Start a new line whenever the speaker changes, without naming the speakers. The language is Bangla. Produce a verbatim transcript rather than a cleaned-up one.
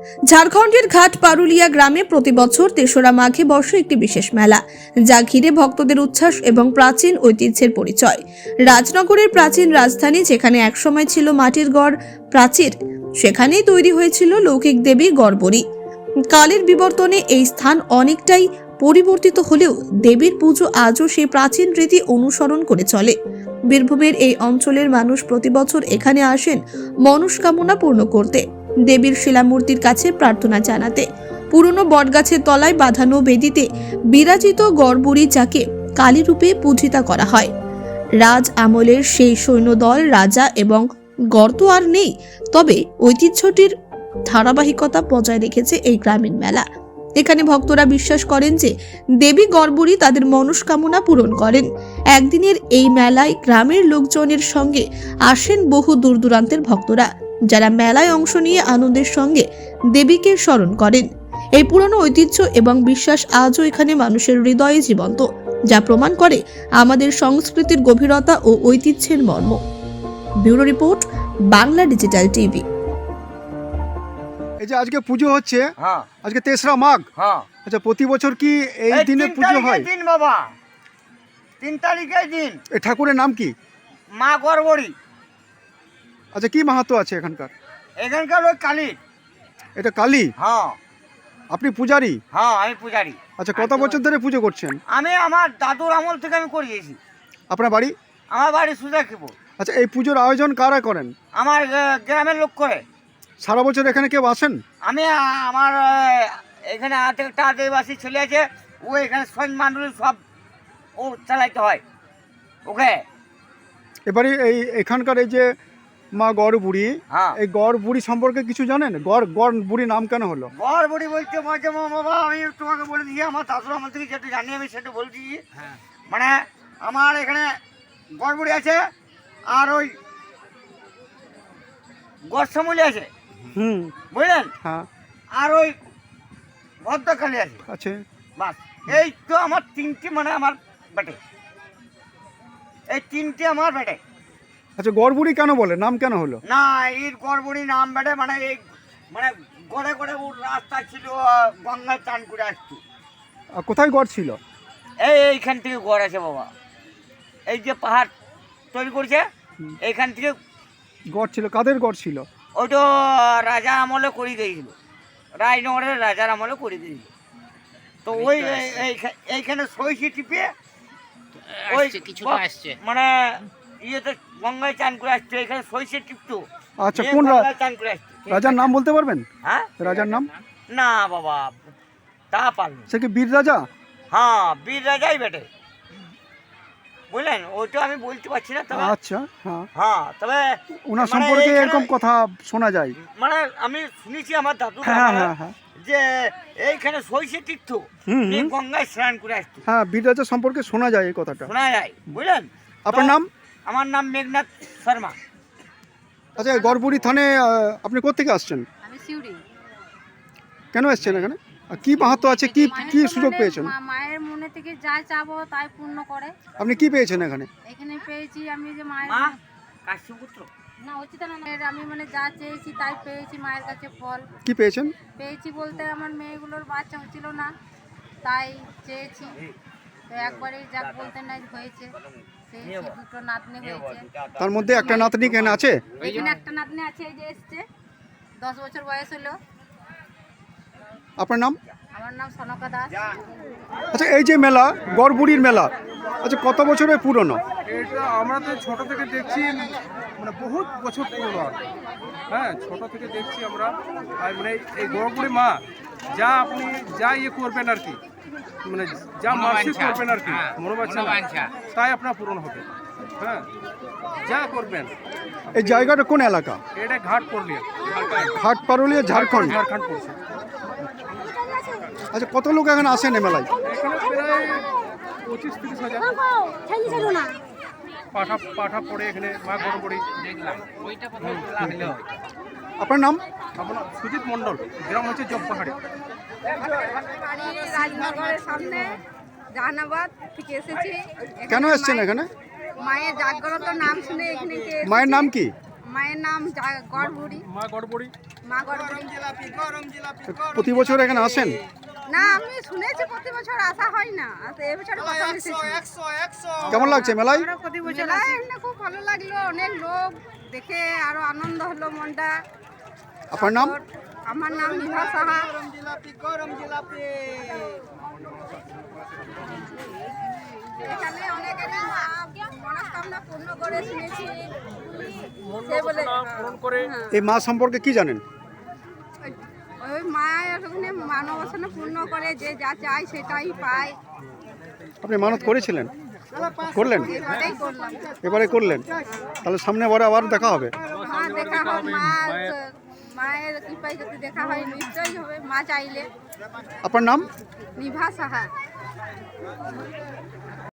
ঝাড়খণ্ডের ঘাট পারুলিয়া গ্রামে প্রতি বছর তেসরা মাঘে বর্ষে একটি বিশেষ মেলা, যা ঘিরে ভক্তদের উচ্ছ্বাস এবং প্রাচীন ঐতিহ্যের পরিচয়। রাজনগরের প্রাচীন রাজধানী, যেখানে একসময় ছিল মাটির গড় প্রাচীর, সেখানেই তৈরি হয়েছিল লৌকিক দেবী গড়বড়ি। কালের বিবর্তনে এই স্থান অনেকটাই পরিবর্তিত হলেও দেবীর পুজো আজও সেই প্রাচীন রীতি অনুসরণ করে চলে। বীরভূমের এই অঞ্চলের মানুষ প্রতি বছর এখানে আসেন মনস্কামনা পূর্ণ করতে, দেবীর শিলামূর্তির কাছে প্রার্থনা জানাতে। পুরনো বটগাছের তলায় বাঁধানো বেদিতে বিরাজিত গড়বড়ি, যাকে কালী রূপে পূজিতা করা হয়। রাজ আমলের সেই সৈন্যদল, রাজা এবং গর্ত আর নেই, তবে ঐতিহ্যটির ধারাবাহিকতা বজায় রেখেছে এই গ্রামীণ মেলা। এখানে ভক্তরা বিশ্বাস করেন যে দেবী গড়বড়ি তাদের মনস্কামনা পূরণ করেন। একদিনের এই মেলায় গ্রামের লোকজনের সঙ্গে আসেন বহু দূর দূরান্তের ভক্তরা, যারা মেলায় অংশ নিয়ে আনন্দের সঙ্গে দেবীকে স্মরণ করেন। এই পুরনো ঐতিহ্য এবং বিশ্বাস আজও এখানে মানুষের হৃদয়ে জীবন্ত, যা প্রমাণ করে আমাদের সংস্কৃতির গভীরতা ও ঐতিহ্যের মর্ম। Bureau report, Bangla digital TV.
এই যে আজকে পুজো হচ্ছে,
হ্যাঁ
আজকে তেসরা মাঘ।
হ্যাঁ
আচ্ছা, প্রতি বছর কি এই
এই
দিনে
তিন
পুজো হয়?
তারিখের দিন বাবা, তিন তারিখের দিন
এই ঠাকুরের নাম কি?
মা গড়বড়ি।
আচ্ছা, কি মাহাত্ম্য আছে এখানকার?
এখানকার ওই কালী।
এটা কালী?
হ্যাঁ
আপনি পূজারি?
হ্যাঁ আমি পূজারি।
আচ্ছা, কত বছর ধরে পুজো করছেন?
আমি আমার দাদুর আমল থেকে আমি করিয়েছি।
আপনার বাড়ি?
আমার বাড়ি সুজাকিপুর।
আচ্ছা, এই পুজোর আয়োজন কারা করেন?
আমার আহ, গ্রামের লোক করে।
সারা বছর এখানে কেউ আসেন?
আমি আহ, আমার আহ, এখানে হাতে একটা আদিবাসী ছেলে আছে, ও এখানে সৈন্য মান্ডলী সব ও চালাইতে হয় ওকে।
এবারে এই এখানকার এই যে মা গড় বুড়ি,
হ্যাঁ
এই গড় বুড়ি সম্পর্কে কিছু জানেন? গড় গড় বুড়ি নাম কেন হলো?
গড়বড়ি বলতে মাঝে বাবা আমি তোমাকে বলে দিই, আমার দাদুর আমল থেকে যেটা জানি আমি সেটা বলে দিই। মানে আমার এখানে গড়বড়ি আছে, আর ওই গড়সামলি আছে,
হুম,
বুঝলেন,
হ্যাঁ,
আর ওই ভদ্রকালী আছে।
আছে।
বাস এই তো আমার তিনটি, মানে আমার বেটে, এই তিনটি আমার বেটে।
আচ্ছা, গড় বুড়ি কেন বলে, নাম কেন হলো?
না এই গড়বড়ি নাম বেটে, মানে এই মানে গড়ে গড়ে ওর রাস্তা ছিল, আহ, গঙ্গায় চান করে আসতো।
আর কোথায় গড় ছিল?
এই এইখান থেকে গড় আছে বাবা, এই যে পাহাড় তৈরি করছে এইখান থেকে
গড় ছিল? কাদের গড় ছিল?
ওইটা রাজা আমলে করে দিয়েছিল, রাজনগরের রাজার আমলে করে দিয়েছিল। তো ওই এই- এইখা- এইখানে সইসি টিপে ওই ব- মানে ইয়েতে গঙ্গায় চান করে আসতো, এখানে সইসি টিপতো।
আচ্ছা,
নিয়ে
কোন রা-
গঙ্গায় চান করে আসতো।
রাজার নাম বলতে পারবেন?
হ্যাঁ
রাজার নাম?
না বাবা, তা পারল।
সে কি বীর রাজা?
হ্যাঁ বীর রাজাই বেটে, বুঝলেন, ওইটা আমি বলতে পারছি না, তবে
আচ্ছা, হ্যাঁ,
হ্যাঁ তবে
ওনার
মানে
সম্পর্কে
এইখানে-
এরকম কথা শোনা যায়।
মানে আমি শুনেছি আমার দাদু
হ্যাঁ হ্যাঁ হ্যাঁ
যে এইখানে সইসে তীর্থ
হুম,
নিয়ে
হুম।
গঙ্গায় স্নান করে আসতো,
হ্যাঁ, বীর রাজা সম্পর্কে শোনা যায় এই কথাটা।
শোনা যায়, বুঝলেন।
আপনার
তো
নাম?
আমার নাম মেঘনাথ শর্মা।
আচ্ছা, গড়বুড়ি থানে আহ, আপনি কোত্থেকে আসছেন?
আমি সিউড়ি।
কেন এসছেন এখানে? আর কি মাহাত্ম্য আছে, কি কি সুযোগ পেয়েছেন?
মা- মায়ের মনে থেকে যা চাবো তাই পূর্ণ করে।
আপনি কি পেয়েছেন এখানে?
এখানে পেয়েছি আমি যে মায়ের
মা কাশ্যপুত্র।
না উচিত না, আমি মানে যা চেয়েছি তাই পেয়েছি মায়ের কাছে ফল
কি পেয়েছেন?
পেয়েছি বলতে আমার মেয়েগুলোর বাচ্চা হচ্ছিল না, তাই চেয়েছি, তো একবারে যাক বলতে নাই হয়েছে, পেয়েছি, দুটো নাতনি হয়েছে।
তার মধ্যে একটা নাতনি কেন আছে?
এখানে একটা নাতনি আছে, এই যে এসছে, দশ বছর বয়স হলো।
আপনার নাম?
আমার নাম সনকা দাস।
আচ্ছা, এই যে মেলা, গড়বুড়ির মেলা, আচ্ছা কত বছরের পুরনো?
এটা আমরা তো ছোট থেকে দেখছি, মানে বহুত বছর পুরনো আর কি। হ্যাঁ, ছোট থেকে দেখছি আমরা। আর মানে এই গড়বুড়ি মা যা আপনি যা ইয়ে করবেন আর কি, মানে যা মানসিক করবেন আর কি, মনোবাঞ্ছা তাই আপনার পূরণ হবে। হ্যাঁ, যা করবেন।
এই জায়গাটা কোন এলাকা?
এটা ঘাট পড়লিয়া,
ঘাট পারুলিয়া, ঝাড়খণ্ড।
ঝাড়খণ্ড পড়ছে।
আচ্ছা, কত লোক এখানে আসেন এই মেলায়?
এখানে প্রায় পঁচিশ তিরিশ হাজার পাঠা পাঠা পড়ে এখানে মা গড়বড়ি।
আপনার নাম?
আপনার সুজিত মণ্ডল, গ্রাম হচ্ছে জব পাহাড়ি।
রাজনগরের সামনে জাহানাবাদ থেকে এসেছি।
কেন এসছেন এখানে?
মায়ের জাগ্রত নাম শুনে এখানে কে এসেছি।
মায়ের নাম কি?
মায়ের নাম জা- গড়বুড়ি
মা গড়বড়ি।
মা গড়বুড়ি।
প্রতি বছর এখানে আসেন?
না আমি শুনেছি প্রতি বছর আসা হয় না, আর এবছর প্রথম এসেছি।
কেমন লাগছে মেলায়?
মেলায় এখানে খুব ভালো লাগলো, অনেক লোক দেখে আরো আনন্দ হলো মনটা।
আপনার নাম?
আমার নাম নিভা সাহা। এখানে অনেকেরই মা- মনস্কামনা পূর্ণ করে শুনেছি। সে বলে
পূরণ করে।
এই মা সম্পর্কে কি জানেন?
ওই- ওই মায়ের ওখানে মানবাসনা পূর্ণ করে, যে যা চায় সেটাই পায়।
আপনি মানত করেছিলেন? করলেন?
এবারেই করলাম।
এবারে করলেন? তাহলে সামনে বারে আবার দেখা হবে?
মা দেখা হয়, মা মায়ের কৃপায় যদি দেখা হয় নিশ্চয়ই হবে, মা চাইলে।
আপনার নাম?
নিভা সাহা।